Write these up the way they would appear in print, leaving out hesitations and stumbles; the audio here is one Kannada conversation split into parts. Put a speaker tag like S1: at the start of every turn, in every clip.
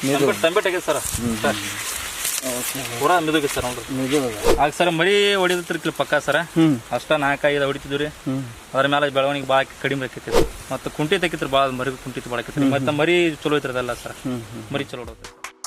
S1: ತಂಬೆಟ್ ಆಗೈತೆ ಸರ್ ಪೂರಾ ಮಿದುಗಿ ಸರ್ ನೋಡ್ರಿ ಆಗ ಸರ್ ಮರಿ ಹೊಡಿದ್ರಿ ಪಕ್ಕ ಸರ ಅಷ್ಟ 4-5 ಹೊಡಿತಿದ್ವಿ ರೀ ಅದ್ರ ಮೇಲೆ ಬೆಳವಣಿಗೆ ಭಾಳ ಕಡಿಮೆ ಆಕೈತಿ ಮತ್ತು ಕುಂಟಿ ತೆಗಿತ್ರಿ ಭಾಳ ಮರಿ ಕುಂಟಿ ಭಾಳ ಆಕೈತಿ ಮತ್ತೆ ಮರಿ ಚಲೋ ಐತ್ರಿ ಅದೆಲ್ಲ ಸರ್ ಮರಿ ಚಲೋ ಹೊಡೋದ್ರಿ.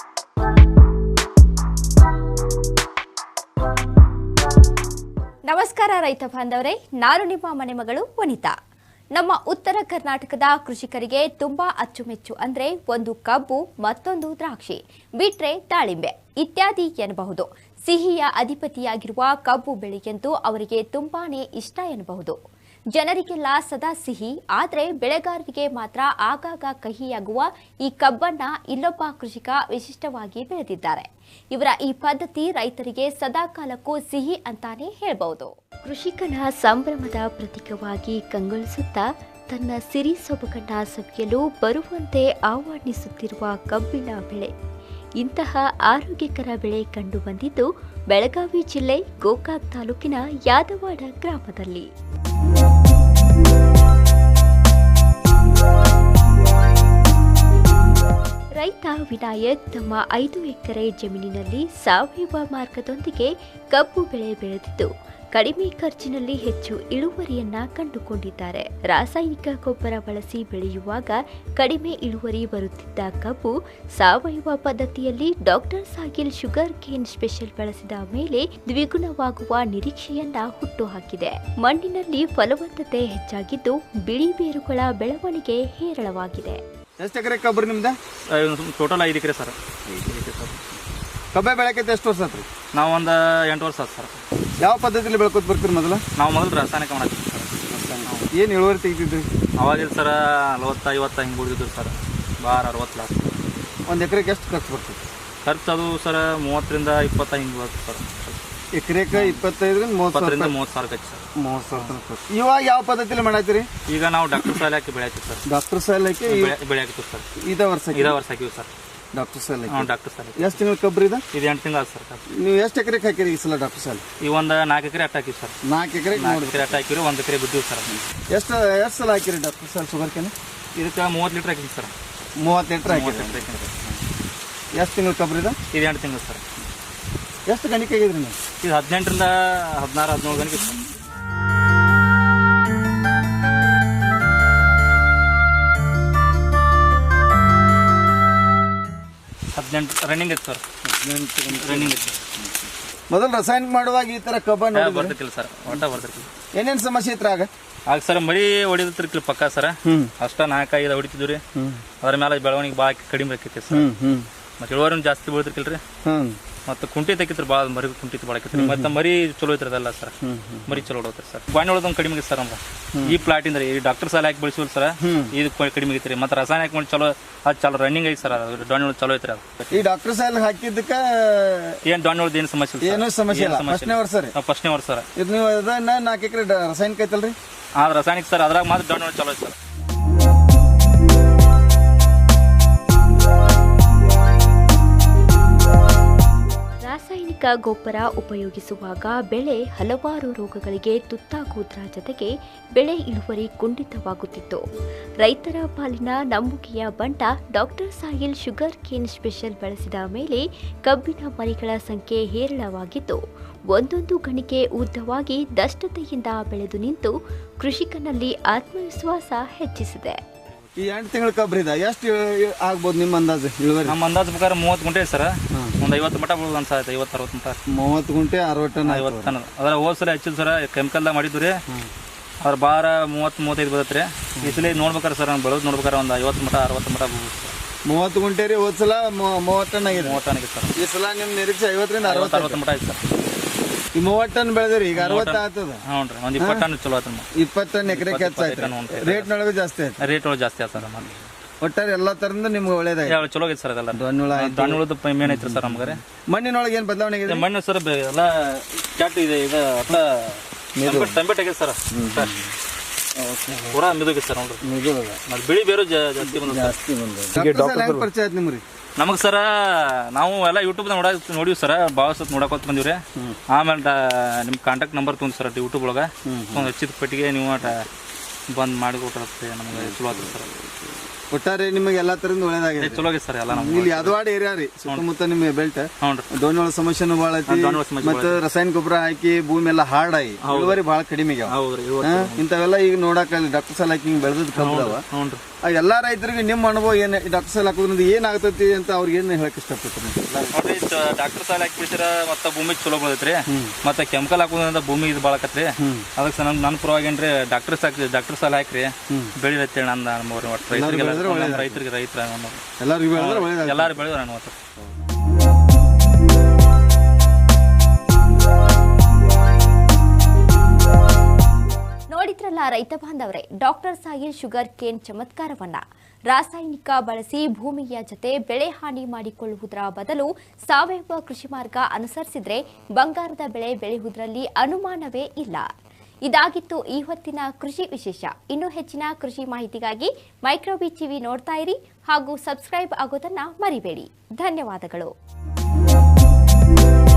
S2: ನಮಸ್ಕಾರ ರೈತ ಬಾಂಧವರೇ, ನಾನು ನಿಮ್ಮ ಮನೆ ಮಗಳು ವನಿತಾ. ನಮ್ಮ ಉತ್ತರ ಕರ್ನಾಟಕದ ಕೃಷಿಕರಿಗೆ ತುಂಬಾ ಅಚ್ಚುಮೆಚ್ಚು ಅಂದ್ರೆ ಒಂದು ಕಬ್ಬು, ಮತ್ತೊಂದು ದ್ರಾಕ್ಷಿ, ಬಿಟ್ರೆ ದಾಳಿಂಬೆ ಇತ್ಯಾದಿ ಎನ್ನಬಹುದು. ಸಿಹಿಯ ಅಧಿಪತಿಯಾಗಿರುವ ಕಬ್ಬು ಬೆಳೆಯಂತೂ ಅವರಿಗೆ ತುಂಬಾನೇ ಇಷ್ಟ ಎನ್ನಬಹುದು. ಜನರಿಗೆಲ್ಲ ಸದಾ ಸಿಹಿ, ಆದರೆ ಬೆಳೆಗಾರರಿಗೆ ಮಾತ್ರ ಆಗಾಗ ಕಹಿಯಾಗುವ ಈ ಕಬ್ಬನ್ನ ಇಲ್ಲೊಬ್ಬ ಕೃಷಿಕ ವಿಶಿಷ್ಟವಾಗಿ ಬೆಳೆದಿದ್ದಾರೆ. ಇವರ ಈ ಪದ್ಧತಿ ರೈತರಿಗೆ ಸದಾ ಕಾಲಕ್ಕೂ ಸಿಹಿ ಅಂತಾನೆ ಹೇಳಬಹುದು. ಕೃಷಿಕನ ಸಂಭ್ರಮದ ಪ್ರತೀಕವಾಗಿ ಕಂಗೊಳಿಸುತ್ತಾ ತನ್ನ ಸಿರಿ ಸೊಬಗನ್ನ ಸವಿಯಲು ಬರುವಂತೆ ಆಹ್ವಾನಿಸುತ್ತಿರುವ ಕಬ್ಬಿನ ಬೆಳೆ. ಇಂತಹ ಆರೋಗ್ಯಕರ ಬೆಳೆ ಕಂಡು ಬಂದಿದ್ದು ಬೆಳಗಾವಿ ಜಿಲ್ಲೆ ಗೋಕಾಕ್ ತಾಲೂಕಿನ ಯಾದವಾಡ ಗ್ರಾಮದಲ್ಲಿ. ರೈತ ವಿನಾಯಕ್ ತಮ್ಮ 5 ಎಕರೆ ಜಮೀನಿನಲ್ಲಿ ಸಾವಯವ ಮಾರ್ಗದೊಂದಿಗೆ ಕಬ್ಬು ಬೆಳೆ ಬೆಳೆದಿದ್ದು ಕಡಿಮೆ ಖರ್ಚಿನಲ್ಲಿ ಹೆಚ್ಚು ಇಳುವರಿಯನ್ನ ಕಂಡುಕೊಂಡಿದ್ದಾರೆ. ರಾಸಾಯನಿಕ ಗೊಬ್ಬರ ಬಳಸಿ ಬೆಳೆಯುವಾಗ ಕಡಿಮೆ ಇಳುವರಿ ಬರುತ್ತಿದ್ದ ಕಬ್ಬು ಸಾವಯವ ಪದ್ಧತಿಯಲ್ಲಿ doctor Sahil sugarcane special ಬಳಸಿದ ಮೇಲೆ ದ್ವಿಗುಣವಾಗುವ ನಿರೀಕ್ಷೆಯನ್ನ ಹುಟ್ಟುಹಾಕಿದೆ. ಮಣ್ಣಿನಲ್ಲಿ ಫಲವತ್ತತೆ ಹೆಚ್ಚಾಗಿದ್ದು ಬಿಳಿ ಬೇರುಗಳ ಬೆಳವಣಿಗೆ ಹೇರಳವಾಗಿದೆ.
S3: ಎಷ್ಟು ಎಕರೆ ಕಬ್ಬರಿ ನಿಮ್ದು?
S1: ಟೋಟಲ್ 5 ಎಕರೆ ಸರ್.
S3: ಕಬ್ಬೆ ಬೆಳಕೈತೆ ಎಷ್ಟು ವರ್ಷ ಆತ್ರಿ?
S1: ನಾವು ಒಂದು 8 ವರ್ಷ ಆಯ್ತು ಸರ್.
S3: ಯಾವ ಪದ್ಧತಿಲಿ ಬೆಳ್ಕೊತ ಬರ್ತೀರಿ?
S1: ನಾವು ಮೊದಲು ರಾಸಾಯನಿಕ ಮಾಡತ್ತೀವಿ ಸರ್.
S3: ಏನು ಇಳುವರಿ ತೆಗಿತಿದ್ರಿ?
S1: ಅವಾಗಿಲ್ಲ ಸರ್ 40-50 ಹಿಂಗೆ ಬಿಡ್ತಿದ್ರು ಸರ್. 60 ಲಾಸ್ಟ್.
S3: ಒಂದು ಎಕರೆಗೆ ಎಷ್ಟು ಖರ್ಚು ಬರ್ತದೆ?
S1: ಖರ್ಚು ಅದು ಸರ್ 30-20 ಹಿಂಗೆ ಬರ್ತದೆ ಸರ್.
S3: ಎಕರೆಗೆ 25-30
S1: ಸಾವಿರ ಖರ್ಚು ಸರ್.
S3: 30 ಸಾವಿರ ಖರ್ಚು. ಇವಾಗ ಯಾವ ಪದ್ಧತಿಲಿ ಮಾಡಾಯ್ತೀರಿ?
S1: ಈಗ ನಾವು ಡಾಕ್ಟರ್ ಸಾಲ ಹಾಕಿ ಬೆಳೆ ಹಾಕಿವಿ ಸರ್.
S3: ಡಾಕ್ಟರ್ ಸಾಲ ಹಾಕಿ
S1: ಬೆಳೆ ಹಾಕಿವಿ ಸರ್.
S3: ಇದೇ ವರ್ಷ
S1: ಹಾಕಿವಿ ಸರ್.
S3: ಡಾಕ್ಟರ್ ಸಾಲ
S1: ಡಾಕ್ಟರ್ ಸಾಲ
S3: ಎಷ್ಟು ತಿಂಗಳು ಕಬ್ಬರಿ ಇದೆ?
S1: ಇದು 8 ತಿಂಗಳು ಸರ್.
S3: ನೀವು ಎಷ್ಟು ಎಕರೆಗೆ ಹಾಕಿರಿ ಈ ಸಲ ಡಾಕ್ಟರ್ ಸಾಲ?
S1: ಈ ಒಂದು 4 ಎಕರೆ ಅಟ್ಟ ಹಾಕಿವಿ ಸರ್.
S3: 4 ಎಕರೆಗೆ
S1: ಅಟ್ಟ ಹಾಕಿರಿ, 1 ಎಕರೆ ಬಿದ್ದೀವಿ ಸರ್.
S3: ಎಷ್ಟು ಸಲ ಹಾಕಿರಿ ಡಾಕ್ಟರ್ ಸಾಲ ಶುಗರ್ ಕೇನ್?
S1: ಇದಕ್ಕೆ 30 ಲೀಟ್ರ್ ಹಾಕಿವಿ ಸರ್.
S3: 30 ಲೀಟ್ರ್ ಹಾಕಿರಿ. ಎಷ್ಟು ತಿಂಗಳು ಕಬ್ಬರಿ ಇದೆ?
S1: ಇದು 8 ತಿಂಗಳು ಸರ್.
S3: ಎಷ್ಟು ಗಣಿಕೆ ಆಗಿದ್ರಿ ನೀವು? ಇದು
S1: 18-17 ಗಣಿಕೆ ಸರ್. 18 ರನ್ನಿಂಗ್ ಐತೆ ಸರ್. 18 ರನ್ನಿಂಗ್ ಐತೆ.
S3: ಮೊದಲು ರಾಸಾಯನಿಕ ಮಾಡುವಾಗ ಈ ತರ ಕಬ್ಬ
S1: ಬರ್ತಿರ್ಕಿಲ್ಲ ಸರ್. ಒಟ್ಟ ಬರ್ತಿರ್ಕಿಲ್ಲ.
S3: ಏನೇನು ಸಮಸ್ಯೆ ಇತ್ತು
S1: ಆಗ ಸರ್ ಮರಿ ಹೊಡಿದ್ರಿ ಪಕ್ಕ ಸರ ಅಷ್ಟ 4-5 ಹೊಡಿತಿದ್ವಿ ರೀ ಅದ್ರ ಮೇಲೆ ಬೆಳವಣಿಗೆ ಭಾಳ ಕಡಿಮೆ ಆಕೈತಿ ಸರ್. ಮತ್ತೆ ಇಳುವರಿನೂ ಜಾಸ್ತಿ ಬೀಳ್ತಿರ್ಕಿಲ್ರಿ ಮತ್ತು ಕುಂಟಿ ತೆಗಿತ್ರಿ ಭಾಳ ಮರಿ ಕುಂಟಿ ಭಾಳ ಆಕೈತ್ರಿ. ಮತ್ತೆ ಮರಿ ಚಲೋ ಐತ್ರಿ ಅದೆಲ್ಲ ಸರ್. ಮರಿ ಚಲೋ ಹೊಡೋತ್ರಿ ಸರ್. ಬಾಣಿ ಹೊಳೋದೊಂದು ಕಡಿಮೆ ಆಗೈತೆ ಸರ್. ನಮ್ಗೆ ಈ ಪ್ಲಾಟಿಂದ ರೀ ಡಾಕ್ಟರ್ ಸಾಲ ಹಾಕಿ ಬೆಳೆಸಿವಲ್ ಸರ್, ಇದು ಕಡಿಮೆ ಆಗೈತ್ರಿ. ಮತ್ತೆ ರಾಸಾಯನಿಕ ಮಾಡಿ ಚಲೋ ಅದು ಚಲೋ ರನ್ನಿಂಗ್ ಐತಿ ಸರ್. ಅದು ಡಾಣಿ ಚಲೋ ಐತ್ರಿ. ಅದು
S3: ಈ ಡಾಕ್ಟರ್ ಸಾಲ ಹಾಕಿದ್ದಕ್ಕೆ
S1: ಏನು ಡಾಣಿ ಹೊಳದ ಏನು ಸಮಸ್ಯೆ ಇಲ್ಲ.
S3: ಏನೂ ಸಮಸ್ಯೆ ಇಲ್ಲ. ಫಸ್ಟ್ನೇ ವರ್ಷ ರೀ.
S1: ಫಸ್ಟ್ನೇ ವರ್ಷ ಸರ್.
S3: ಇದು ನೀವು ಅದನ್ನ 4 ಎಕರೆ ರಾಸಾಯನಿಕ ಐತಲ್ರಿ?
S1: ರಾಸಾಯನಿಕ ಸರ್. ಅದ್ರಾಗ ಮಾತ್ರ ಡಾಣಿ ಚಲೋ ಐತಿ ಸರ್.
S2: ರಾಸಾಯನಿಕ ಗೊಬ್ಬರ ಉಪಯೋಗಿಸುವಾಗ ಬೆಳೆ ಹಲವಾರು ರೋಗಗಳಿಗೆ ತುತ್ತಾಗುವುದರ ಜೊತೆಗೆ ಬೆಳೆ ಇಳುವರಿ ಕುಂಠಿತವಾಗುತ್ತಿತ್ತು. ರೈತರ ಪಾಲಿನ ನಂಬುಗೆಯ ಬಂಟ doctor Sahil sugarcane special ಬಳಸಿದ ಮೇಲೆ ಕಬ್ಬಿನ ಮರಿಗಳ ಸಂಖ್ಯೆ ಹೇರಳವಾಗಿದ್ದು ಒಂದೊಂದು ಗಣಿಕೆ ಉದ್ದವಾಗಿ ದಷ್ಟತೆಯಿಂದ ಬೆಳೆದು ನಿಂತು ಕೃಷಿಕನಲ್ಲಿ ಆತ್ಮವಿಶ್ವಾಸ ಹೆಚ್ಚಿಸಿದೆ.
S3: ಈ 8 ತಿಂಗಳ ಕಬ್ಬರಿದ ಎಷ್ಟು ಆಗ್ಬೋದು ನಿಮ್ಮ ಅಂದಾಜು ಇಳುವರಿ?
S1: ನಮ್ಮ ಅಂದಾಜು ಪ್ರಕಾರ 30 ಗುಂಟೆ ಸರ್. ಒಂದು 50 ಮಟ ಬೀಳೋದು ಅನ್ಸಾಯ್ತು. 50-60 ಮಟ.
S3: 30 ಗುಂಟೆ 60 ಟನ್.
S1: 50 ಟನ್. ಅದರ ಹೋದ ಸಲ ಹೆಚ್ಚಿಲ್ಲ ಸರ್. ಕೆಮಿಕಲ್ದಾಗ ಮಾಡಿದ್ದು ರೀ. ಅದ್ರ ಬಾರ 30-35 ಬರುತ್ತೆ ರೀ. ಈ ಸಲ ನೋಡ್ಬೇಕಾರೆ ಸರ್ ನಾನು ಬೆಳೋದು ನೋಡ್ಬೇಕಾರೆ ಒಂದು 50 ಮಟ 60 ಮಟ ಬೀಳುತ್ತೆ ಸರ್.
S3: 30 ಗುಂಟೆ ರೀ. ಹೋದ ಸಲ 30 ಟನ್ ಆಗಿದೆ.
S1: 30 ಟನ್ ಆಗಿದೆ ಸರ್.
S3: ಈ ಸಲ ನಿಮ್ಮ ನಿರೀಕ್ಷೆ 50-60
S1: ಮಟ ಆಯ್ತು ಸರ್.
S3: ಈ 30 ಟನ್ ಬೆಳೆದ್ರಿ, ಈಗ 60 ಆಗ್ತದ.
S1: ಹ್ಞೂ ರೀ. ಒಂದು 20 ಟನ್ ಚಲೋ ಆಯ್ತು.
S3: 20 ಟನ್ ಎಕರೆ ಹೆಚ್ಚಾಯ್ತು. ರೇಟ್ನೊಳಗೆ ಜಾಸ್ತಿ ಆಯ್ತು.
S1: ರೇಟ್ ಒಳಗೆ ಜಾಸ್ತಿ ಆಯ್ತು ಸರ್.
S3: ಒಟ್ಟಾರೆ ಎಲ್ಲ ತರದಿಂದ ನಿಮ್ಗೆ ಒಳ್ಳೇದಾಯ್ತು.
S1: ಚಲೋ ಆಗೈತೆ ಸರ್. ಅದೆಲ್ಲ
S3: ದಾಣಿಹುಳದ
S1: ಮೇನ್ ಐತ್ರಿ ಸರ್ ನಮ್ಗೆ.
S3: ಮಣ್ಣಿನೊಳಗೆ ಏನು ಬದಲಾವಣೆ ಆಗಿದೆ?
S1: ಮಣ್ಣು ಸರ್ ಎಲ್ಲ ಕ್ಯಾಟ್ ಇದೆ. ಇದು ಅಟ್ಲ ತಂಬೆಟ್ ಆಗೈತೆ ಸರ್. ಪೂರಾ ಮಿದುಗೈತೆ ಸರ್. ನೋಡ್ರಿ ಮತ್ತೆ ಬಿಳಿ ಬೇರು ಜಾಸ್ತಿ ಬಂದ.
S3: ಪರಿಚಯ ಆಯ್ತು ನಿಮ್ರಿ?
S1: ನಮಗೆ ಸರ ನಾವು ಎಲ್ಲ ಯೂಟ್ಯೂಬ್ದಾಗ ನೋಡಿವಿ ಸರ್. ಭಾಳ ಸತ್ ನೋಡಕೋತ ಬಂದಿವಿ ರೀ. ಆಮೇಲೆ ನಿಮ್ಮ ಕಾಂಟ್ಯಾಕ್ಟ್ ನಂಬರ್ ತೊಗೊಂಡು ಸರ್ ಯೂಟ್ಯೂಬ್ ಒಳಗೆ ಒಂದು ಹಚ್ಚಿದ ಪಟ್ಟಿಗೆ ನೀವು ಬಂದು ಮಾಡಿ ಕೊಟ್ಟಿರುತ್ತೆ. ನಮಗೆ ಚಲೋ ಆಗ್ತದೆ ಸರ್.
S3: ಒಟ್ಟಾರೆ ನಿಮಗೆ ಎಲ್ಲಾ ತರದಿಂದ ಒಳ್ಳೇದಾಗಿದೆ.
S1: ಚಲೋ ಆಗಿದೆ ಸರ್ ಎಲ್ಲ ನಮ್ಗೆ.
S3: ಇಲ್ಲಿ ಯಾದವಾಡ ಏರಿಯಾ ರೀ ಸುತ್ತಮುತ್ತ ನಿಮ್ಮ ಬೆಲ್ಟ್
S1: ಹ್ಞೂ ರೀ.
S3: ದೋಣಿಯೊಳ ಸಮಸ್ಯೆನೂ ಭಾಳ ಐತಿ. ಮತ್ತೆ ರಾಸಾಯನಿಕ ಗೊಬ್ಬರ ಹಾಕಿ ಭೂಮಿ ಎಲ್ಲ ಹಾರ್ಡಾಗಿ ಇಳುವರಿ ಭಾಳ ಕಡಿಮೆ ಆಗ್ಯಾವ.
S1: ಹೌದ್ರಿ.
S3: ಇಂಥವೆಲ್ಲ ಈಗ ನೋಡಕ್ ಡಾಕ್ಟರ್ ಸಾಲ್ ಹಾಕಿ ಹಿಂಗ್ ಬೆಳೆದ್ ಕಬ್ಬದವ.
S1: ಹ್ಞೂ ರೀ.
S3: ಎಲ್ಲಾ ರೈತರಿಗೆ ನಿಮ್ಮ ಅನುಭವ ಏನ್ ಡಾಕ್ಟರ್ ಸಾಲ್ ಹಾಕೋದ್ರಿಂದ ಏನಾಗ್ತೈತಿ ಅಂತ ಅವ್ರಿಗೆ ಏನ್ ಹೇಳಕ್ ಇಷ್ಟಪಡ್ತೀನಿ?
S1: ನೋಡ್ರಿ ಡಾಕ್ಟರ್ ಸಾಲ ಹಾಕ್ಬಿಡ್ತೀರ ಮತ್ತೆ ಭೂಮಿ ಚಲೋ ಬೆಳತ್ರಿ. ಮತ್ತೆ ಕೆಮಿಕಲ್ ಹಾಕೋದ್ರಿಂದ ಭೂಮಿ ಇದು ಬಾಳಕತ್ರಿ. ಅದಕ್ಕೆ ನನ್ನ ಪರವಾಗಿ ಏನ್ರಿ ಡಾಕ್ಟರ್ ಸಾಲ ಹಾಕ್ರಿ ಬೆಳಿರತ್ತೇಳಿ ನನ್ನ ರೈತರಿಗೆ
S3: ಎಲ್ಲರಿಗೂ
S1: ಎಲ್ಲಾರು ಬೆಳೆದ್ರು ನಾನು ಮತ್ತೆ.
S2: ನೋಡಿದ್ರಲ್ಲ ರೈತ ಬಾಂಧವರೇ, ಡಾಕ್ಟರ್ ಸಾಹಿಲ್ ಶುಗರ್ ಕೇನ್ ಚಮತ್ಕಾರವನ್ನ. ರಾಸಾಯನಿಕ ಬಳಸಿ ಭೂಮಿಯ ಜೊತೆ ಬೆಳೆ ಹಾನಿ ಮಾಡಿಕೊಳ್ಳುವುದರ ಬದಲು ಸಾವಯವ ಕೃಷಿ ಮಾರ್ಗ ಅನುಸರಿಸಿದ್ರೆ ಬಂಗಾರದ ಬೆಳೆ ಬೆಳೆಯುವುದರಲ್ಲಿ ಅನುಮಾನವೇ ಇಲ್ಲ. ಇದಾಗಿತ್ತು ಈ ಹೊತ್ತಿನ ಕೃಷಿ ವಿಶೇಷ. ಇನ್ನೂ ಹೆಚ್ಚಿನ ಕೃಷಿ ಮಾಹಿತಿಗಾಗಿ ಮೈಕ್ರೋಬೀಟ್ ಟಿವಿ ನೋಡ್ತಾ ಇರಿ ಹಾಗೂ ಸಬ್ಸ್ಕ್ರೈಬ್ ಆಗೋದನ್ನ ಮರಿಬೇಡಿ. ಧನ್ಯವಾದಗಳು.